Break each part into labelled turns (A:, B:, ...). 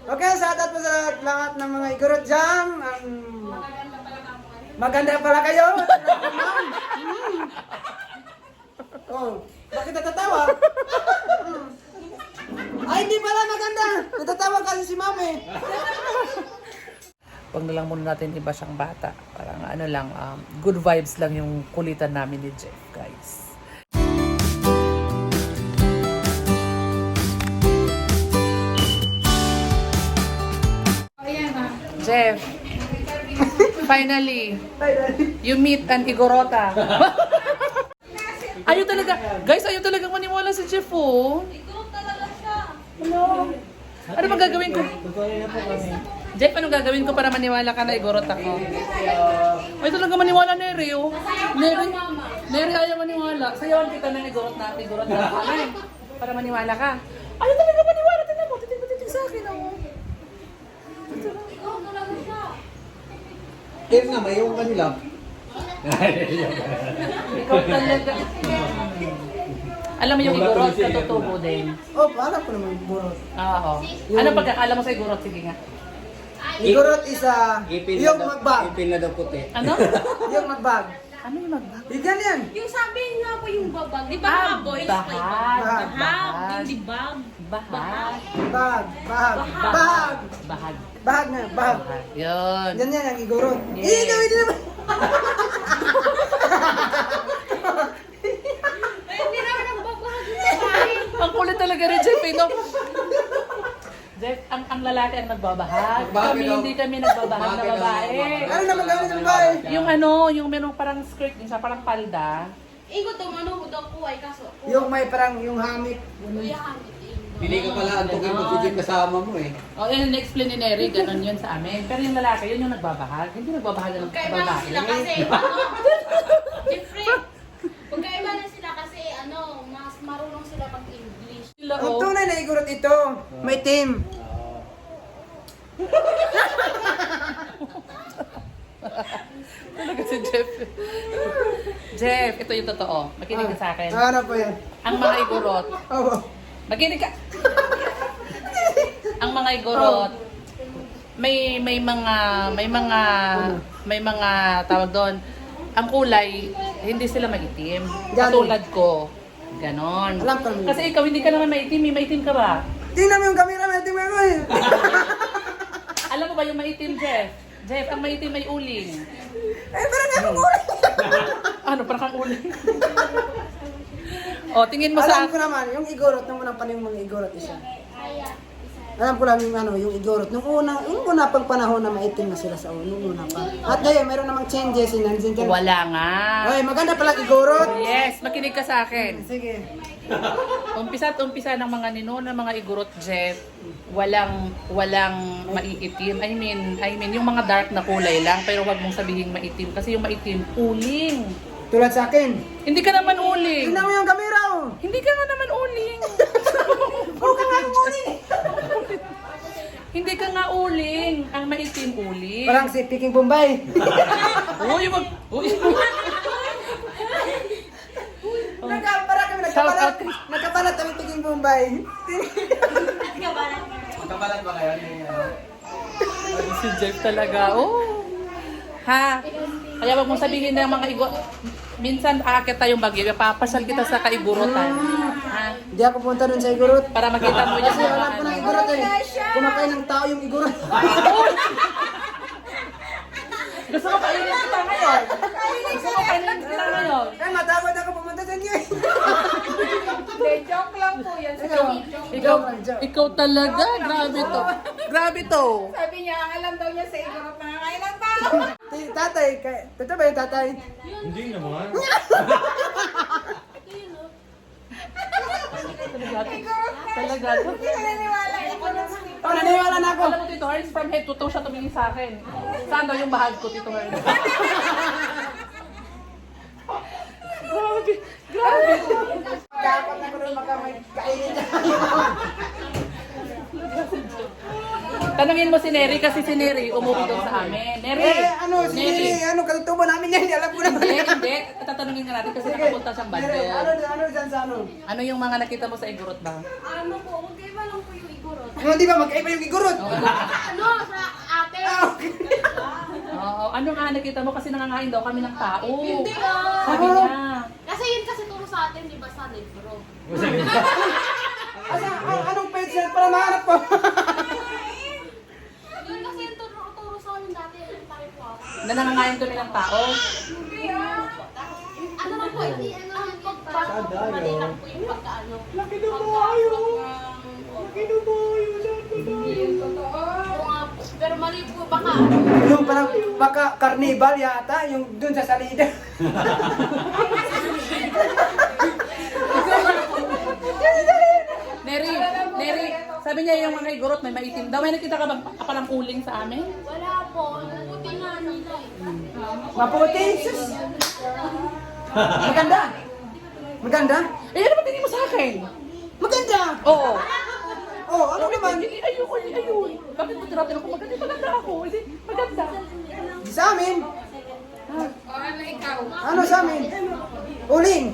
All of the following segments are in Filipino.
A: Okay, shoutout po sa lahat ng mga igurot dyan. Maganda pala kayo. Oh, bakit natatawa? Ay, hindi pala maganda. Natatawa kasi si Mami.
B: Huwag na lang muna natin iba siyang bata. Parang ano lang, good vibes lang yung kulitan namin ni Jeff, guys. Jeff, finally, you meet an Igorota. Ayaw talaga, guys, ayaw talaga maniwala si Jeff, oh.
C: Igorot talaga siya.
B: Hello. Ano ba gagawin ko? Jeff, anong gagawin ko para maniwala ka na Igorot ako? Ay, talaga maniwala, Neri, oh. Neri, ayaw maniwala. Sayawan kita ng Igorot na Alay. Para maniwala ka. Ayaw talaga maniwala. Tignan mo, titig sa akin, oh.
C: Igorot talaga siya.
D: Kaya nga, may yung kanila.
B: Ikaw talaga. Alam mo yung Igorot, katutubo din.
A: Oh, alam ko naman igurot.
B: Oo. Ano pagkakala mo sa Igorot? Sige nga.
A: Igurot isa, yung magbag.
D: Ipin na daw puti.
B: Ano?
A: Yung magbag.
B: Ano yung magbag?
A: Bigan yan.
C: Yung sabi nga po yung babag. Di ba
B: Ah,
C: mga boys?
B: bahag.
C: Bahag.
B: Bahag.
C: Hindi bag.
B: Bahag.
A: Bahag. Bahag. Bahag.
B: Bahag.
A: Bahag na, bahag.
B: Bahag. Yun.
A: Yan yan ang igurot.
B: Yes.
A: Eh, gawin din naman.
C: Eh, hindi naman ang babahag yung babae.
B: Ang kulit talaga rin, Jeff, eh, no? Jeff, ang lalaki ang nagbabahag.
D: Bakit
B: Kami
D: daw?
B: hindi kami nagbabahag na
D: Bakit daw?
B: babae.
A: Ano naman gawin ng bahay?
B: Yung ano, yung merong parang skirt din siya, parang palda.
C: Ingo to, ano ko daw po ay kaso.
A: Yung may parang yung hamik.
C: Kuya hamit.
D: Pili ka pala antukin mo si Jim kasama mo eh.
B: O, yun, na-explain ni Neri, ganun yun sa amin. Pero yung lalaki, yun yung nagbabahag. Hindi nagbabahag ng
C: Magkaiba lang
B: babae.
C: sila kasi, ano, Jeffrey, magkaiba lang sila kasi, ano, mas marunong sila pag-English.
B: Sila,
A: Ang
B: oh.
A: tunay na igurot ito, may team.
B: Talaga si Jeff. Jeff, ito yung totoo. Makinig ka sa akin.
A: Ano po yan?
B: Ang mga igorot,
A: Oh,
B: makinig ka. Ang mga igorot, may mga tawag doon. Ang kulay, hindi sila maitim.
A: Ganon.
B: Katulad ko. Ganon.
A: Alam ko.
B: Kasi ikaw hindi ka naman maitim, maitim ka ba?
A: tingnan mo yung camera, may team ako eh.
B: Alam mo ba yung maitim, Jeff? Jeff, ang maitim may uling.
A: Eh, parang ako ulit.
B: Ano, parang kang uling? O, tingin mo sa...
A: Alam ko naman, yung igorot, nung unang panahon mga igorot isa. Alam ko lang yung ano, yung igorot. Yung una pang panahon na maitim na sila sa nung una pa. At ngayon, meron namang changes in nandiyan dyan.
B: Wala nga.
A: Ay, maganda pala igorot.
B: Yes, makinig ka sa akin.
A: Sige.
B: Umpisa ng mga ninona, mga igorot, Jeff, walang maiitim. I mean, yung mga dark na kulay lang, pero wag mong sabihin maitim. Kasi yung maitim, uling.
A: Tulad sa akin.
B: Hindi ka naman uling.
A: Tingnan mo yung camera oh.
B: Hindi ka nga naman uling.
A: Huwag ka nga ulit.
B: Hindi ka nga uling. Ang maitim uling.
A: Parang si Peking Bombay.
B: Uy, wag. Uy.
A: Parang kami
B: Shout out.
A: nagkapalat kami Peking Bombay.
D: Magkapalat ba kayo?
B: Si Jeff talaga. Oh. Ha? Kaya wag mong sabihin ng mga igo. Minsan aakit tayong bagyo, papasal kita sa kaigurutan. Ha?
A: Hindi ako punta dun sa igorot.
B: Para makita mo yung
A: Kasi alam ko ng igorot eh. Kumakain ng tao yung igorot.
B: Gusto mo kainin kita ngayon? Gusto mo kainin kita ngayon?
A: Eh, matakot ako pumunta sa inyo eh.
C: Joke lang po yan.
B: Ikaw talaga, grabe to. Grabe to.
C: Sabi niya, alam daw niya sa igorot na kailan pa.
A: Tatay, totoo ba yung tatay?
D: Hindi naman.
B: Talaga to.
C: Naniniwala ako ng
A: Oh, naniwala na ako.
B: Alam mo, Tito Herns, from head to toe siya tumingin sa akin. Saan daw yung bahag ko, Tito Herns? Grabe. Grabe.
A: Dapat na ko rin kainin niya.
B: Tanungin mo si Neri kasi si Neri umuwi doon sa amin. Neri!
A: Eh, ano,
B: Neri!
A: sige, ano, katutubo namin yan. Alam ko naman.
B: Hindi. Tatanungin nga natin kasi nakapunta siyang
A: Ano,
B: bandel.
A: ano dyan sa ano?
B: Ano yung mga nakita mo sa igurot ba?
C: Ano po, magkaiba lang po yung igorot.
A: Yung di ba, magkaiba yung igurot.
C: Ano, sa ate.
B: Oo, ano nga nakita mo kasi nangangain daw kami ng tao.
C: Hindi ah.
B: Sabi niya.
C: Kasi yun kasi turo sa atin, di ba, sa libro.
A: Anong page yan para mahanap ko?
C: Yun kasi yung turo sa amin dati, yung tayo po ako.
B: Na nangangain kami ng tao.
C: Ano lang po, hindi, ang pagpasok ko, mali lang po yung pagkaano.
A: Laki na po kayo.
C: Pero mali po, baka
A: Yung parang baka carnival yata, yung dun sa salida.
B: Neri, sabi niya yung mga igorot may maitim daw. May nakita ka bang kapalang uling sa amin?
C: wala po, buti nga nila eh.
A: Maputi, sus. Maganda. Maganda?
B: Eh, ano ba tingin mo sa akin?
A: Maganda.
B: Oo.
A: Oh, ano naman?
B: Ayun. Bakit mo tinatanong ko maganda ako? Hindi, maganda.
A: Di sa amin. Ano sa amin? Uling.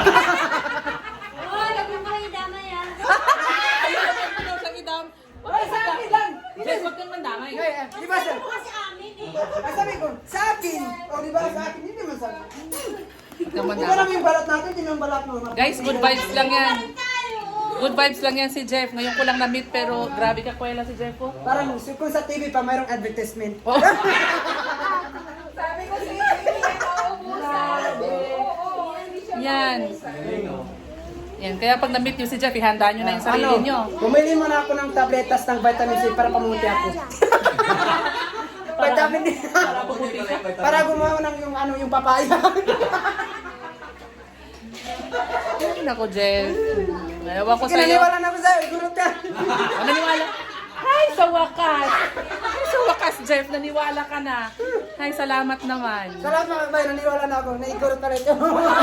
B: Ayun, sa idam.
A: Ay, sa akin lang.
B: Jess, wag kang mandamay.
A: Di ba sir? Ay, sabi ko, sa akin. O, di ba sa akin? Hindi naman sa akin.
B: Wag kang
A: Di ba
B: mandamay.
A: naman yung balat natin? Hindi naman balat mo.
B: Guys, good vibes lang yan. Good vibes lang yan si Jeff. Ngayon ko lang na-meet pero grabe ka kwela si Jeff oh.
A: Parang kung sa TV pa mayroong advertisement.
B: Oh. Yan. Yan. Kaya pag na-meet nyo si Jeff, ihanda nyo na yung sarili nyo.
A: Bumili mo na ako ng tabletas ng vitamin C para pamuti ako. Vitamin D. Para gumawa ng yung ano yung papaya.
B: Ay, nako Jeff. Ewan ko sa'yo.
A: Kinaniwala na ako sa'yo, gurot ka.
B: Naniwala? Hi, sa wakas. Hi, sa wakas, Jeff. Naniwala ka na. Hi, salamat naman.
A: Salamat mga bay, naniwala na ako. Naigurot na rin ito.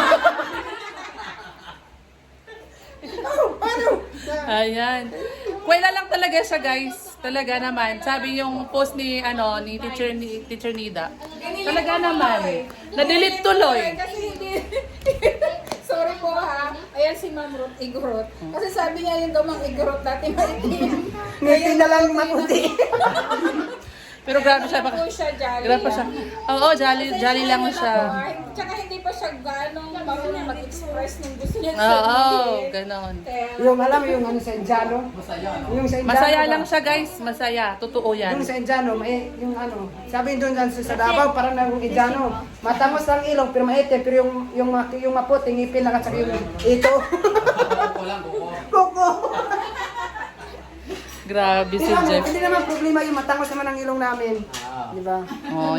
A: Ano?
B: Ayan. Kwela lang talaga siya, guys. Talaga naman. Sabi yung post ni Teacher Nida. Talaga naman. Na-delete tuloy.
E: Kasi hindi. Sorry po ha. Ayan si Ma'am Ruth Igorot. Kasi sabi niya yung daw mang Igorot dati maitim.
A: Ngiti na lang maputi.
B: Pero grabe siya.
E: Po siya jolly.
B: Grabe pa siya. Oo, jolly lang siya.
E: Tsaka hindi pa siya ganong marunong mag-express ng gusto niya
B: Oo,
E: sabihin.
B: ganon.
E: Kaya,
A: Yung alam mo yung ano sa Indiano? Yung sa Indiano.
B: Masaya
A: ba?
B: lang siya, guys. Masaya. Totoo yan.
A: Yung sa Indiano, may yung ano, sabi doon sa Davao, parang na yung Indiano. Matamos lang ilong, pero maitim, pero yung maputi, ngipin lang at saka yung ito. Koko.
B: Grabe si
A: Hindi
B: Jeff.
A: naman, hindi naman problema yung matangos naman ang ilong namin. Di ba?
B: Oh.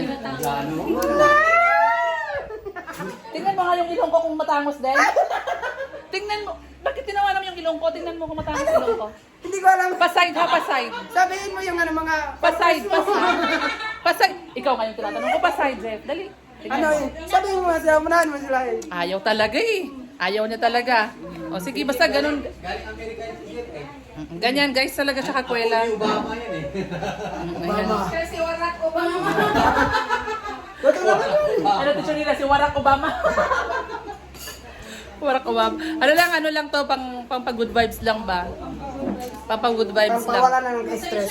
B: Tingnan mo nga yung ilong ko kung matangos din. Tingnan mo. Bakit tinawanan mo yung ilong ko? Tingnan mo kung matangos ilong ko.
A: Hindi ko alam.
B: Paside ha, paside.
A: Sabihin mo yung ano mga...
B: Paside, paside. Paside. Ikaw ngayon tinatanong ko, paside, Jeff. Dali. Tingnan
A: Ano
B: mo.
A: yun? Sabihin mo sila, unahan mo sila eh.
B: Ayaw talaga eh. Ayaw niya talaga. O sige, basta ganun.
D: Galing Amerika yung sigit eh.
B: Ganyan guys, talaga siya kakwela.
D: Ako yung Obama yan eh.
A: Mama.
E: kasi Barack Obama.
A: Totoo naman yun.
B: Ano to siya nila? Si Barack Obama. Barack Obama. Ano lang to, pang good vibes lang ba? Pang good vibes lang.
A: Pampawala na ng stress.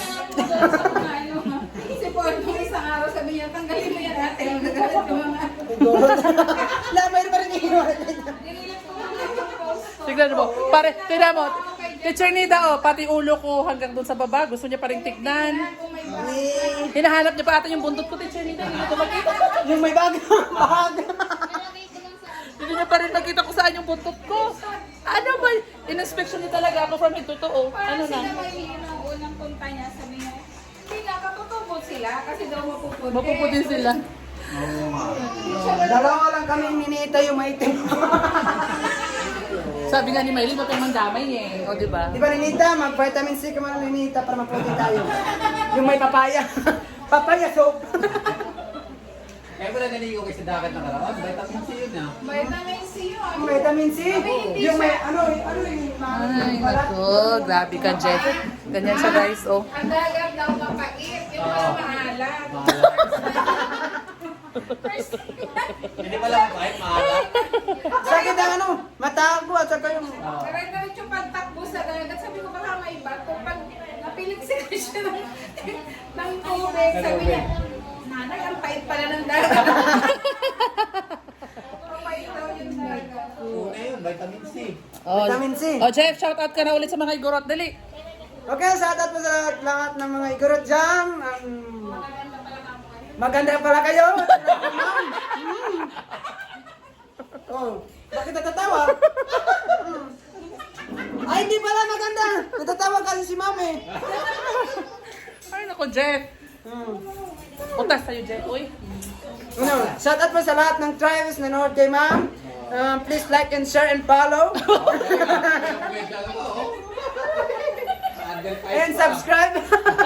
E: Si Paul, nung isang araw sabi niya, tanggalin mo yan ate. Nagalit ko mga
A: Lamay pa rin yung
B: Tignan mo. Tignan mo. Teacher Nida, oh, pati ulo ko hanggang doon sa baba. Gusto niya pa rin tignan. Hinahanap niya pa ata yung buntot ko, Teacher Nida. Hindi ko makita.
A: Yung may bag. Bahag.
B: Hindi niya pa rin nakita kung saan yung buntot ko. Ano ba? In-inspection niya talaga ako from head to toe. Ano na?
E: Sila may ng unang punta niya, sabi niya, sila, katutubod sila kasi daw mapuputi.
B: Mapuputi sila.
A: Dalawa lang kami ninita yung maitim.
B: Sabi nga ni Maylin, huwag kang mandamay eh. O, di ba?
A: Di ba ninita? Mag-vitamin C ka man ninita para maputi tayo. Yung may papaya. Papaya soap.
D: Kaya wala naligo kayo sa dagat na karawan. Vitamin C yun ah.
E: Vitamin C yun.
A: Vitamin C. Yung may ano yung
B: Ay, naku. Grabe ka, Jeff. Ganyan siya, guys. Oh.
E: Ang dagat daw mapait, yung mga maalat.
D: Hindi pala kahit maalat.
A: sakit ang ano, mata ko at saka yung
E: Pero yung pagtakbo sa dagat, sabi ko baka may bato. Pag napili siya ng tubig. Sabi niya, nanay, ang pait pala ng dagat. Mapait daw yung dagat.
D: Una yun, vitamin C.
B: Oh,
A: Vitamin C.
B: Oh, Jeff, shout out ka na ulit sa mga igorot. Dali.
A: Okay, shout out po sa lahat ng mga igorot dyan. Maganda pala kayo. Oh, bakit natatawa? Ay, hindi pala maganda. Natatawa kasi si Mami.
B: Ay, nako, Jeff. Utas tayo, Jeff. Uy.
A: Ano, shout out po sa lahat ng tribes na nanood kay Ma'am. Please like and share and follow. And subscribe.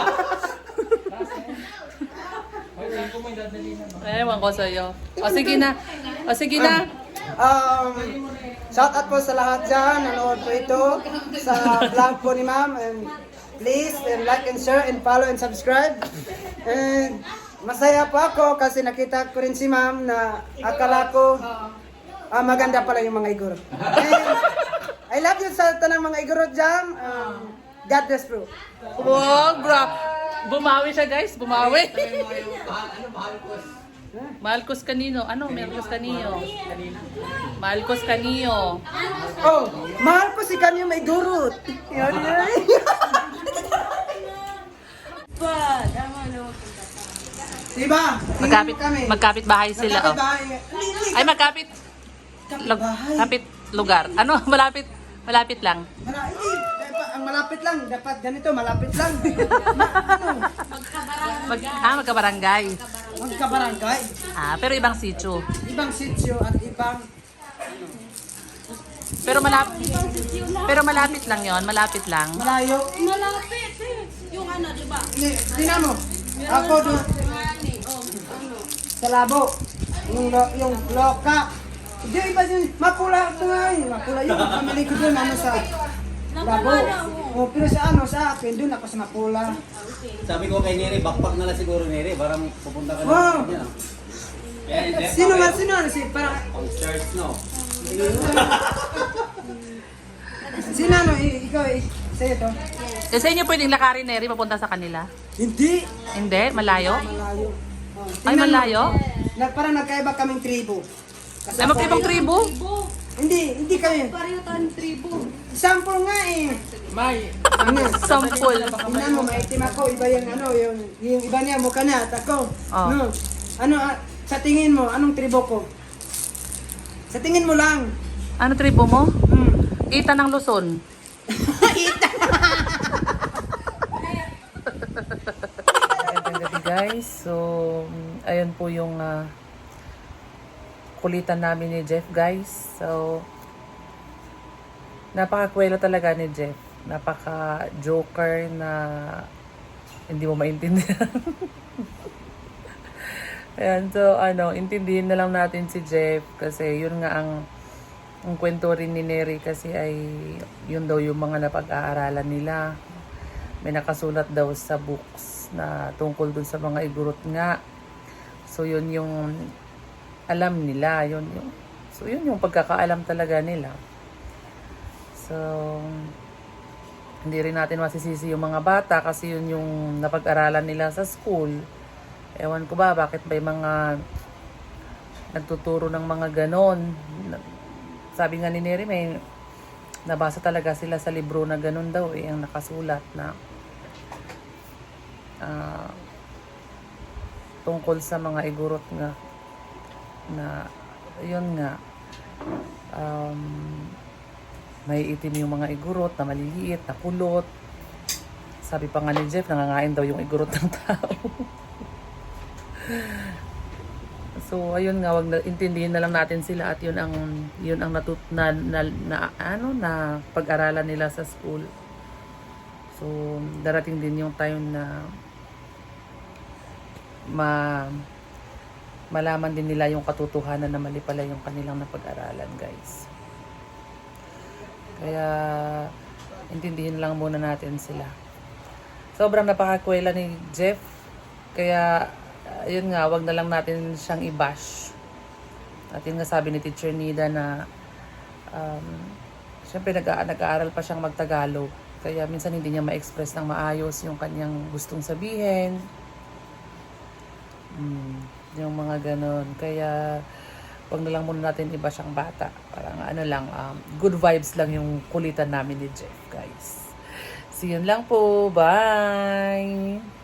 B: Ewan ko sa'yo. O, sige na. O, sige na.
A: Shout out po sa lahat dyan. Nanood po ito sa vlog po ni Ma'am. And please like and share and follow and subscribe. And masaya po ako kasi nakita ko rin si Ma'am na akala ko maganda pala yung mga igorot. And I love you sa tanang mga igorot dyan. God bless bro.
B: Wow, bro. Bumawi siya, guys. Bumawi.
D: Ano, Marcos?
B: Malcos kanino? Ano? Malcos kanino? Malcos kanino.
A: Oh, mahal ko si kanyo may gurot. Yan yan. Diba?
B: Magkapit,
A: Kami.
B: magkapit bahay sila. Oh.
A: Magkapit-bahay.
B: Ay, magkapit.
A: Kapit-bahay.
B: Kapit lugar. Ano? Malapit. Malapit lang.
A: Hindi, ang malapit lang. Dapat ganito, malapit lang. Ano?
B: Magkabarangay.
A: Magkabarangay.
B: Pero ibang sitio.
A: Ibang sitio at ibang
B: Pero malapit lang 'yon, malapit lang.
A: malayo.
C: Malapit eh. Yung ano, di ba?
A: Tingnan mo. Ako doon sa labo. Yung loka. Hindi, iba yun. Mapula ito nga yun. Mapula yun. Pamili ko doon ano sa labo. O, pero sa ano, sa akin, doon ako sa mapula.
D: Sabi ko kay Neri, backpack na lang siguro Neri, parang pupunta ka na.
A: Wow.
D: Kanya.
A: Sino man, sino? Si, parang,
D: Pang church, no?
A: sino ano, ikaw, sa'yo to?
B: Sa inyo pwedeng lakarin, Neri, papunta sa kanila?
A: Hindi.
B: Hindi? Malayo?
A: Malayo. Oh,
B: Ay,
A: tingnan mo.
B: malayo?
A: Parang nagkaiba kaming tribo.
B: Ay, magkaibang tribo?
A: Hindi kami.
C: Pareho tayong tribo.
A: Sample nga eh.
D: May.
A: Ano?
B: Sampol.
A: Tingnan mo, maitim ako. Iba yung ano, yung iba niya, mukha niya, at ako.
B: Oh.
A: No. Ano, sa tingin mo, anong tribo ko? Sa tingin mo lang.
B: Ano tribo mo?
A: Hmm.
B: Ita ng Luzon. Magandang gabi, guys. So, ayun po yung kulitan namin ni Jeff, guys. So, napakakwela talaga ni Jeff. Napaka-joker na hindi mo maintindihan. Ayan, so intindihin na lang natin si Jeff kasi yun nga ang kwento rin ni Neri kasi ay yun daw yung mga napag-aaralan nila. May nakasulat daw sa books na tungkol dun sa mga igurot nga. So yun yung alam nila, yun yung pagkakaalam talaga nila. So hindi rin natin masisisi yung mga bata kasi yun yung napag-aralan nila sa school. Ewan ko ba, bakit may mga nagtuturo ng mga ganon. Sabi nga ni Neri, may nabasa talaga sila sa libro na ganon daw ang nakasulat na tungkol sa mga igurot nga na yun nga may itim yung mga igurot na maliliit, na kulot. Sabi pa nga ni Jeff, nangangain daw yung igurot ng tao. So ayun nga, wag na intindihin na lang natin sila at yun ang na pag-aralan nila sa school. So darating din yung time na malaman din nila yung katotohanan na mali pala yung kanilang napag-aralan, guys. Kaya intindihin lang muna natin sila. Sobrang napakakwela ni Jeff. Kaya yun nga, wag na lang natin siyang i-bash. At yun nga sabi ni Teacher Nida na syempre nag-aaral pa siyang magtagalog. Kaya minsan hindi niya ma-express ng maayos yung kanyang gustong sabihin. Yung mga ganon. Kaya, wag na lang muna natin iba siyang bata. Parang ano lang, good vibes lang yung kulitan namin ni Jeff, guys. So, yun lang po. Bye!